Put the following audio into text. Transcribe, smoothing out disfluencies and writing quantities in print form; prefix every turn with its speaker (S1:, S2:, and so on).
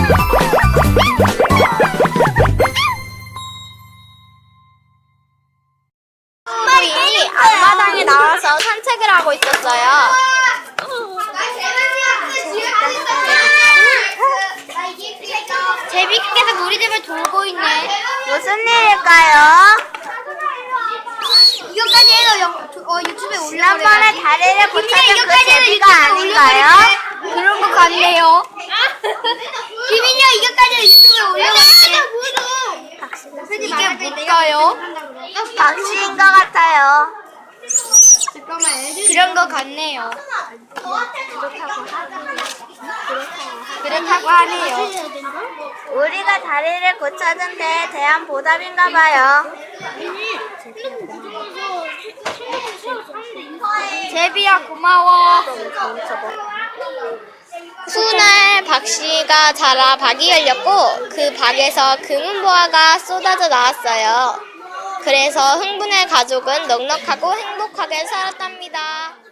S1: 이 앞마당에 나와서 산책을 하고 있었어요. 제비께서 우리 집을 돌고 있네.
S2: 무슨 일일까요?
S1: 이거까지 해서 유튜브에 올려버려요.
S2: 지난번에 다리를 고쳐준 그 제비가 아닌가요?
S1: 그런 것 같네요. 비밀이야, 이거까지 유튜브에 올려버릴게. 이게 뭘까요?
S2: 박씨인 것 같아요.
S1: 그런 것 같네요. 그렇다고 하네요.
S2: 우리가 다리를 고쳐준 데에 대한 보답인가 봐요.
S1: 제비야, 고마워. 훗날 박씨가 자라 박이 열렸고 그 박에서 금은보화가 쏟아져 나왔어요. 그래서 흥분의 가족은 넉넉하고 행복하게 살았답니다.